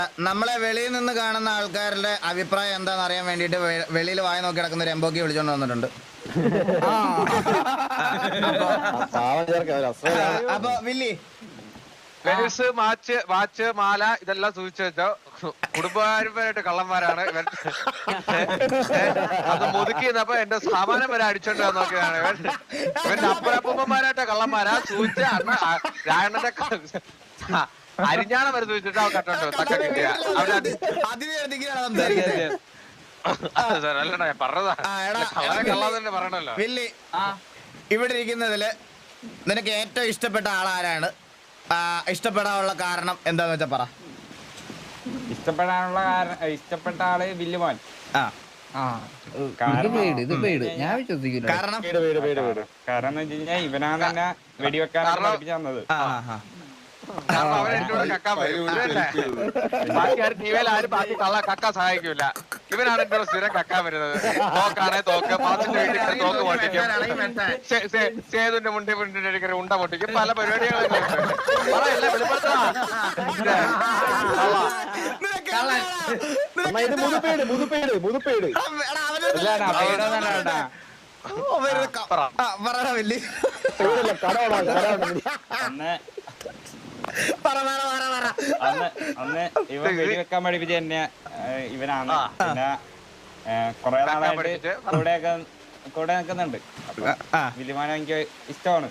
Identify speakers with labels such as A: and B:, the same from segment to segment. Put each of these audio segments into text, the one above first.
A: നമ്മളെ വെളിയിൽ നിന്ന് കാണുന്ന ആൾക്കാരുടെ അഭിപ്രായം എന്താണെന്ന് അറിയാൻ വേണ്ടിട്ട് വെളിയിൽ വായ നോക്കി കിടക്കുന്ന ഒരു എംബോക്കി വിളിച്ചോണ്ട് വന്നിട്ടുണ്ട്. അപ്പൊ വില്ലി
B: വാച്ച് മാല ഇതെല്ലാം സൂക്ഷിച്ചു വെച്ചോ. കുടുംബപരമായിട്ട് കള്ളന്മാരാണ് ഇവൻ. അത് മുതുക്കിന്നപ്പോ എന്റെ സാമാനം വരെ അടിച്ചോണ്ട് നോക്കിയതാണ് ഇവന്റെ അപ്പനപ്പൂപ്പന്മാരായിട്ട് കള്ളന്മാരാ. സൂചിച്ച രായണ്ണന്റെ അരിഞ്ഞാണം വരെ സൂചിച്ചിട്ട് അവ കട്ടോണ്ട് തക്ക കിട്ടിയ അല്ലടാ ഞാൻ പറഞ്ഞതാ. കള്ളാന്നെ പറയണല്ലോ.
A: വില്ലി, ഇവിടെ ഇരിക്കുന്നതില് നിനക്ക് ഏറ്റവും ഇഷ്ടപ്പെട്ട ആളാരാണ്? ഇഷ്ടപ്പെടാനുള്ള കാരണം എന്താന്ന് വെച്ചാ പറ.
C: ഇഷ്ടപ്പെട്ട ആള് വില്ലുമോൻ.
A: കാരണം
C: എന്ന് വെച്ച് കഴിഞ്ഞാൽ ഇവനാണ് തന്നെ വെടിവെക്കാനാണ് പഠിപ്പിച്ചു തന്നത്.
B: അവൻ എന്റെ കൂടെ കക്കാൻ വരും. ബാക്കി ആരും ടിവിയിൽ ആരും ബാക്കി കക്ക സഹായിക്കൂല. ഇവനാണ് എന്റെ കൂടെ സ്ഥിരം കക്കാൻ വരുന്നത്. തോക്കാണെ തോക്ക്, പാസിന്റെ വീട്ടിൽ തോക്ക് പൊട്ടിക്കും, സേതുന്റെ മുണ്ടിന്റെ ഉണ്ട പൊട്ടിക്കും, പല പരിപാടികളും പറയല്ല വെളിപ്പെടുത്താ.
C: അന്ന് ഇവൻ വെടിവെക്കാൻ പഠിപ്പിച്ച തന്നെ ഇവനാണ്. പിന്നെ കൊറേ നാളായിട്ട് കൂടെ നിൽക്കുന്നുണ്ട്. വില്ലുമാനെ എനിക്ക് ഇഷ്ടമാണ്.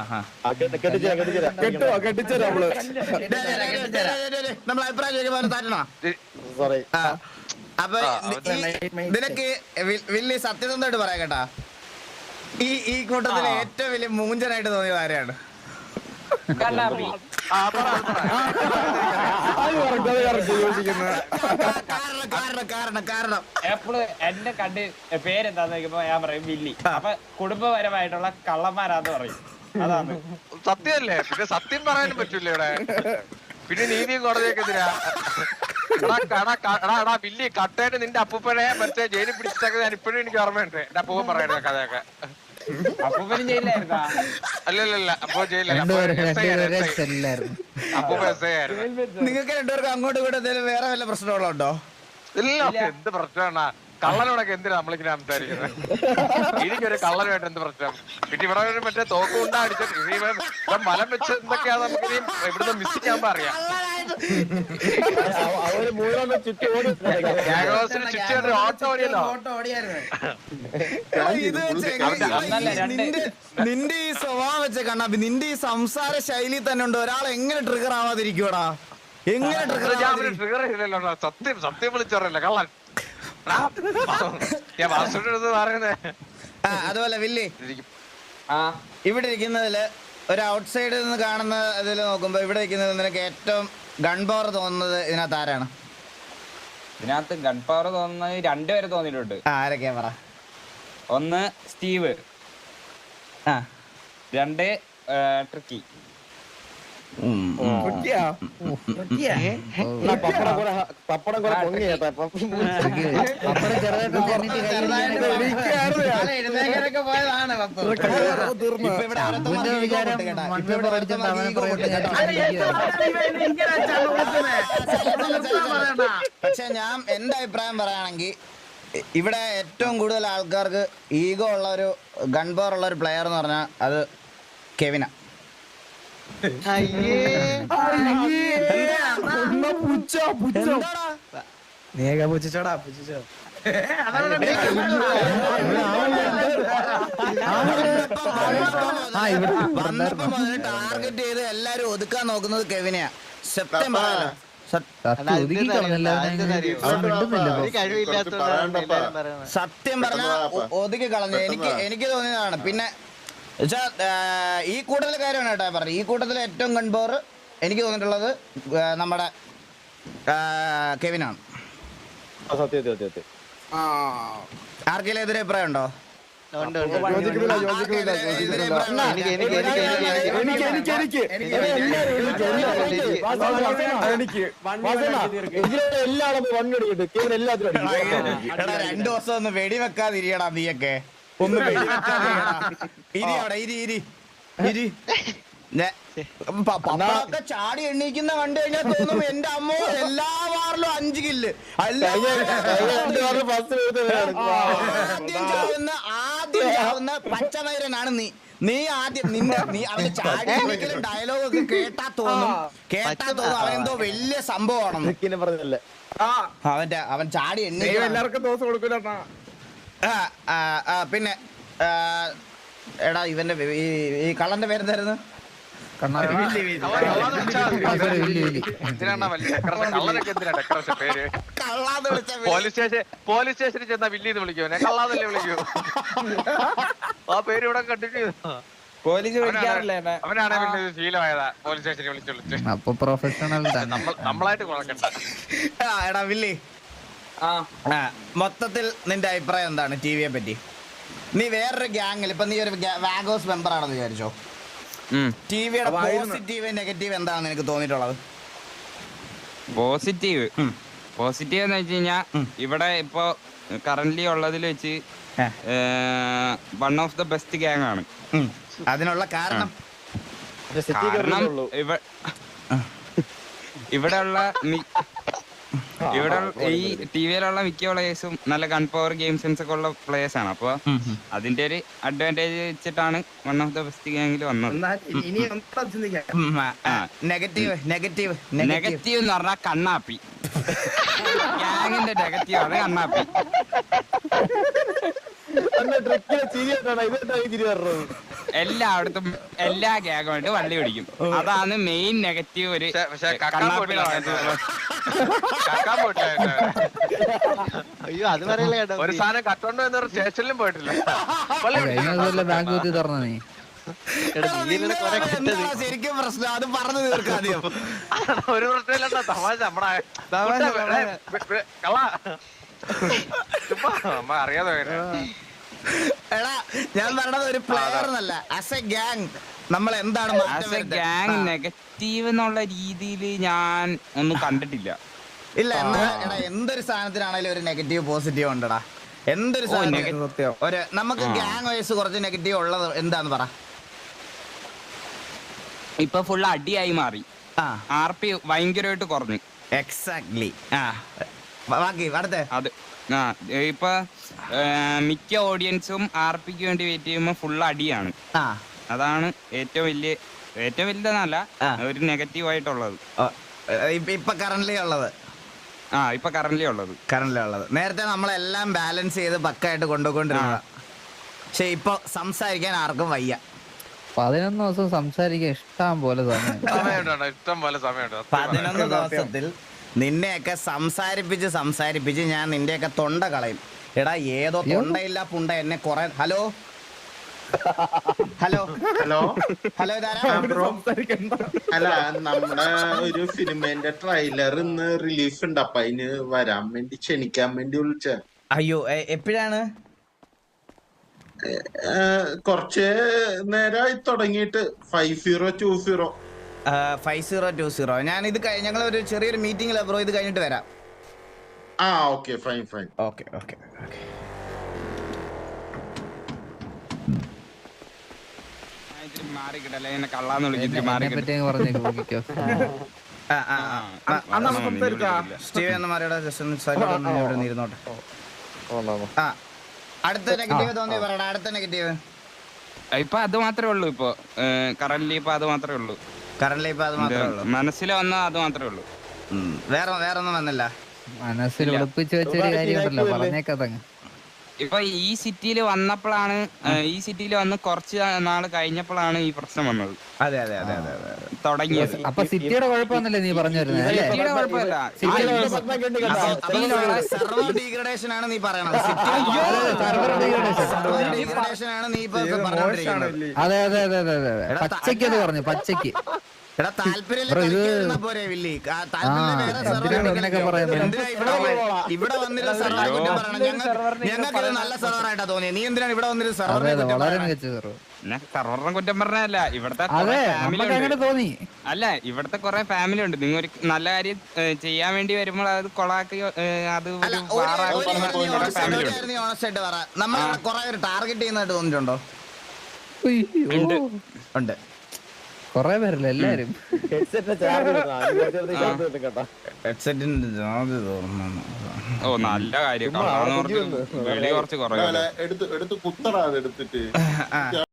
A: അപ്പൊ നിനക്ക് വലിയ സത്യസന്ധമായിട്ട് പറയാം കേട്ടാ, ഈ കൂട്ടത്തിൽ ഏറ്റവും വലിയ മൂഞ്ചനായിട്ട് തോന്നിയത് ആരെയാണ്?
C: കാരണം എപ്പോഴും എന്റെ കണ്ട് പേരെന്താന്ന് നോക്കുമ്പോ ഞാൻ പറയും വില്ലി. അപ്പൊ കുടുംബപരമായിട്ടുള്ള കള്ളന്മാരാന്ന് പറയും. അതാണ്
B: സത്യമല്ലേ. പിന്നെ സത്യം പറയാനും പറ്റൂല ഇവിടെ. പിന്നെ നീതിയും കോടതിയൊക്കെ എതിരാ. വില്ലി കട്ടയായിട്ട് നിന്റെ അപ്പൂപ്പനെ മറ്റേ ജയിലിൽ പിടിച്ചൊക്കെ ഞാൻ ഇപ്പോഴും എനിക്ക് ഓർമ്മയുണ്ട്. എന്റെ അപ്പൂപ്പൻ പറയുന്ന കഥയൊക്കെ.
C: അപ്പൂപ്പനും ജയിലായിരുന്നാ?
B: അല്ലല്ല, അപ്പോ ജയിലല്ല, അപ്പൂപ്പ എസ് ഐ ആയിരുന്നു.
A: നിങ്ങൾക്ക് രണ്ടുപേർക്കും അങ്ങോട്ടും ഇങ്ങോട്ടും വേറെ വല്ല പ്രശ്നങ്ങളുണ്ടോ?
B: ഇല്ല, എന്ത് പ്രശ്നമാണ്? കള്ളനോടൊക്കെ എന്തിനാ നമ്മളിങ്ങനെ സംസാരിക്കുന്നത്? എനിക്കൊരു കള്ളനുമായിട്ട് എന്ത് പ്രശ്നം? പിന്നെ ഇവിടെ മറ്റേ തോക്ക് കൊണ്ടാ അടിച്ചത്. ഇവിടെ മലം വെച്ച് എന്തൊക്കെയാ നമുക്ക് ഇവിടുന്ന് മിസ് ചെയ്യാൻ പറയാം. ഓട്ടോ ഓടിയല്ലോ.
A: നിന്റെ ഈ സ്വഭാവം വെച്ച കണ്ണാപ്പി, നിന്റെ ഈ സംസാര ശൈലി തന്നെ ഉണ്ട് ഒരാൾ എങ്ങനെ ട്രിഗർ ആവാതിരിക്കൂടാ? എങ്ങനെ
B: ട്രിഗർ ചെയ്തല്ലോ? സത്യം വിളിച്ചോറല്ലേ കള്ളൻ. ഞാൻ വാസുവിന്റെ പറയുന്നത്.
A: അതുപോലെ വില്ലി, ഇവിടെ ഇരിക്കുന്നതില് ഒരു ഔട്ട് സൈഡിൽ നിന്ന് കാണുന്ന ഇതിൽ നോക്കുമ്പോ ഇവിടെ ഇരിക്കുന്നത് നിനക്ക് ഏറ്റവും ഗൺ പവർ തോന്നുന്നത് ഇതിനകത്ത് ആരാണ്?
C: ഇതിനകത്ത് ഗൺ പവർ തോന്നുന്നത് രണ്ടുപേരെ തോന്നിയിട്ടുണ്ട്.
A: ആരൊക്കെയാ പറ.
C: ഒന്ന് സ്റ്റീവ്, രണ്ട് ട്രിക്കി.
A: പക്ഷെ ഞാൻ എന്റെ അഭിപ്രായം പറയുകയാണെങ്കിൽ ഇവിടെ ഏറ്റവും കൂടുതൽ ആൾക്കാർക്ക് ഈഗോ ഉള്ള ഒരു ഗൺ പവർ ഉള്ള ഒരു പ്ലെയർ എന്ന് പറഞ്ഞാൽ അത് കെവിനാ. ടാർഗറ്റ് ചെയ്ത് എല്ലാരും ഒതുക്കാൻ നോക്കുന്നത് കെവിനെയാ. സത്യം പറയാലോ, സത്യം പറഞ്ഞ ഒതുക്കി കളഞ്ഞു. എനിക്ക് തോന്നിയതാണ്. പിന്നെ ഈ കൂട്ടത്തിലെ കാര്യമാണ് കേട്ടോ പറഞ്ഞത്. ഈ കൂട്ടത്തിലെ ഏറ്റവും ഗൺ പവർ എനിക്ക് തോന്നിയിട്ടുള്ളത് നമ്മുടെ കെവിനാണ്. ആർക്കെങ്കിലും എതിരെ അഭിപ്രായം ഉണ്ടോ? രണ്ടു ദിവസം ഒന്ന് വെടിവെക്കാതിരിയടാ നീയൊക്കെ. ഒന്ന് പപ്പടൊക്കെ ചാടി എണ്ണീക്കുന്ന കണ്ടു കഴിഞ്ഞാൽ തോന്നും എന്റെ അമ്മോ എല്ലാ 5 കില്ല് ആദ്യം ചാവുന്ന പച്ചമൈരനാണ് നീ ആദ്യം നീ അവന്റെ ചാടിയെങ്കിലും ഡയലോഗ് ഒക്കെ കേട്ടാ തോന്നും അവനെന്തോ വലിയ സംഭവമാണെന്ന്
D: പറഞ്ഞല്ലേ
A: അവൻ ചാടി
C: എല്ലാവർക്കും ദോശ കൊടുക്കൂല.
A: പിന്നെ എടാ ഇവന്റെ ഈ കള്ളന്റെ പേരെന്തായിരുന്നു?
B: പോലീസ് സ്റ്റേഷനിൽ ചെന്നാ വില്ലിന്ന് വിളിക്കുവനെ കള്ളാന്നല്ലേ വിളിക്കൂ. ആ പേര് ഇവിടെ കണ്ടിന്യൂ
C: പോലീസ് വിളിക്കാറില്ല.
B: അവനാണ് പിന്നെ ശീലമായതാ പോലീസ് സ്റ്റേഷനിൽ വിളിച്ചു
E: അപ്പൊ പ്രൊഫഷണൽ
B: നമ്മളായിട്ട് കുഴക്കണ്ട.
A: എടാ വില്ലി, മൊത്തത്തിൽ നിന്റെ അഭിപ്രായം എന്താണ് ടിവിയെ പറ്റി? നീ വേറൊരു ഗ്യാങ്ങിൽ ഇപ്പൊ നീ ഒരു വാഗോസ് മെമ്പർ ആണെന്ന് വിചാരിച്ചോ, ടിവിയുടെ പോസിറ്റീവ് നെഗറ്റീവ് എന്താണെന്ന് എനിക്ക് തോന്നിയിട്ടുള്ളത്?
E: പോസിറ്റീവ് എന്ന് വെച്ച് കഴിഞ്ഞാ ഇവിടെ ഇപ്പൊ കറന്റ്ലി ഉള്ളതിൽ വെച്ച് one of the best gang ആണ്.
A: അതിനുള്ള കാരണം
E: ഇവിടെ ഈ ടിവിയിലുള്ള മിക്ക പ്ലേയേഴ്സും നല്ല ഗൺ പവർ ഗെയിം സെൻസ് ഒക്കെ ഉള്ള പ്ലേയേഴ്സ് ആണ്. അപ്പൊ അതിന്റെ ഒരു അഡ്വാൻറ്റേജ് വെച്ചിട്ടാണ് വൺ ഓഫ് ദ ബെസ്റ്റ് ഗ്യാങ്ങിൽ വന്നത്.
A: നെഗറ്റീവ്
E: എന്ന് പറഞ്ഞാൽ കണ്ണാപ്പി. ഗ്യാങ്ങിന്റെ നെഗറ്റീവ് ആണ് കണ്ണാപ്പി. എല്ലായിടത്തും എല്ലാ ഗ്യാങ്ങുമായിട്ട് വള്ളി പിടിക്കും. അതാണ് മെയിൻ നെഗറ്റീവ്. ഒരു
D: അയ്യോ അത് പറയല്ലേ
B: ഒരു സാധനം കട്ടോണ്ടോ എന്നൊരു സ്റ്റേഷനിലും പോയിട്ടില്ല.
E: ബാങ്ക് തുറന്ന നീ
A: ശരിക്കും പ്രശ്നം അത് പറഞ്ഞു തീർക്കാദ്യം.
B: ഒരു പ്രശ്നമില്ല, തമാശ നമ്മ അറിയാതെ.
A: എടാ ഞാൻ പറഞ്ഞത് ഒരു പ്ലെയർ എന്നല്ല, ആസ് എ ഗ്യാങ് നമ്മൾ എന്താണ്
E: ഗ്യാങ് നെഗറ്റീവ് എന്നുള്ള രീതിയിൽ ഞാൻ ഒന്നും കണ്ടിട്ടില്ല.
A: ഇല്ല എന്നാ എടാ എന്തൊരു സാധനത്തിനാണെങ്കിലും ഒരു നെഗറ്റീവ് പോസിറ്റീവ് ഉണ്ടടാ. എന്തൊരു ഒരു നമുക്ക് ഗ്യാങ് വൈസ് കുറച്ച് നെഗറ്റീവ് ഉള്ളത് എന്താന്ന് പറ.
E: ഇപ്പൊ ഫുൾ അടിയായി മാറി. RP ഭയങ്കരമായിട്ട് കുറഞ്ഞു.
A: എക്സാക്ട്ലി. ബാക്കി അടുത്ത
E: അത് ഇപ്പൊ മിക്ക ഓഡിയൻസും RPക്ക് വേണ്ടി വെയിറ്റ് ചെയ്യുമ്പോ ഫുൾ അടിയാണ്. അതാണ് ഏറ്റവും വലുതെന്നല്ല ഒരു നെഗറ്റീവ് ആയിട്ടുള്ളത്
A: ഇപ്പൊ കറന്റ്ലി ഉള്ളത്. നേരത്തെ നമ്മളെല്ലാം ബാലൻസ് ചെയ്ത് പക്കായിട്ട് കൊണ്ടുപോയിക്കൊണ്ടിരുന്നത്. പക്ഷെ ഇപ്പൊ സംസാരിക്കാൻ ആർക്കും വയ്യ.
E: 11 ദിവസം സംസാരിക്കാൻ ഇഷ്ടം പോലെ സമയം.
A: 11 ദിവസത്തിൽ നിന്നെയൊക്കെ സംസാരിപ്പിച്ച് ഞാൻ നിന്റെയൊക്കെ തൊണ്ട കളയും. എടാ ഏതോ തൊണ്ടയില്ല പുണ്ട എന്നെ കൊറേ. ഹലോ
F: അല്ല നമ്മുടെ ഒരു സിനിമേന്റെ ട്രെയിലർ ഇന്ന് റിലീസ് ഉണ്ട്, അപ്പൊ അതിന് വരാൻ വേണ്ടി ക്ഷണിക്കാൻ വേണ്ടി വിളിച്ച.
A: അയ്യോ എപ്പോഴാണ്?
F: കുറച്ച് നേരമായി തുടങ്ങിയിട്ട്
A: 5020. ഞാൻ ഇത് ഞങ്ങൾ ഒരു ചെറിയൊരു മീറ്റിംഗിൽ ബ്രോ, ഇത് കഴിഞ്ഞിട്ട് വരാം.
F: Okay fine.
A: ഓക്കെ അടുത്ത നെഗറ്റീവ് തോന്നി പറയടാ. അടുത്ത നെഗറ്റീവ്
E: ഇപ്പൊ അത് മാത്രമേ ഉള്ളൂ. ഇപ്പൊ കറന്റ്ലി ഇപ്പൊ അത് മാത്രമേ ഉള്ളൂ. മനസ്സിൽ വന്ന അത് മാത്രമേ ഉള്ളൂ.
A: വേറെ ഒന്നും വന്നില്ല
E: മനസ്സിൽ ഒളിപ്പിച്ച് വെച്ചൊരു കാര്യമുണ്ടല്ലോ, പറഞ്ഞേക്കതങ്ങ്. ഇപ്പൊ ഈ സിറ്റിയിൽ വന്ന് കുറച്ച് നാള് കഴിഞ്ഞപ്പോഴാണ് ഈ പ്രശ്നം വന്നത്.
A: അതെ
E: തുടങ്ങിയത്. അപ്പൊ സിറ്റിയുടെ കുഴപ്പമൊന്നുമില്ല നീ പറഞ്ഞു വരുന്നത്? സിറ്റിയുടെ കുഴപ്പമില്ല,
A: സെർവർ ഡീഗ്രഡേഷൻ ആണ് നീ പറയണത്.
E: അതെ പച്ചയ്ക്ക് അത് പറഞ്ഞു, പച്ചയ്ക്ക്.
A: എടാ താല്പര്യം ഇവിടെ വന്നിരുന്ന സെർവർ കുറ്റം പറയണം. ഞങ്ങൾക്ക് നല്ല സെർവറായിട്ടാ തോന്നിയത്. നീ എന്തിനാണ് ഇവിടെ വന്നിട്ട് സെർവറിനെ
E: സെർവറിനെ കുറ്റം പറഞ്ഞല്ല. ഇവിടുത്തെ ഇവിടുത്തെ കുറെ ഫാമിലി ഉണ്ട്. നിങ്ങൾ ഒരു നല്ല കാര്യം ചെയ്യാൻ വേണ്ടി വരുമ്പോൾ അത് കൊളാക്കി അത് ഫാമിലി
A: ഓണസ്റ്റായിട്ട് പറ. നമ്മൾ കുറെ ടാർഗറ്റ് ചെയ്യുന്നതായിട്ട് തോന്നിയിട്ടുണ്ടോ?
E: ഉണ്ട്.
G: കൊറേ പേരല്ലേ എല്ലാരും
A: ഹെഡ്സെറ്റിന്റെ ചാർജ് തോന്നുന്നു.
E: ഓ നല്ല കാര്യം. വെളി കുറച്ച് കുറവ്.
F: എടുത്ത് കുത്തടാ അത് എടുത്തിട്ട്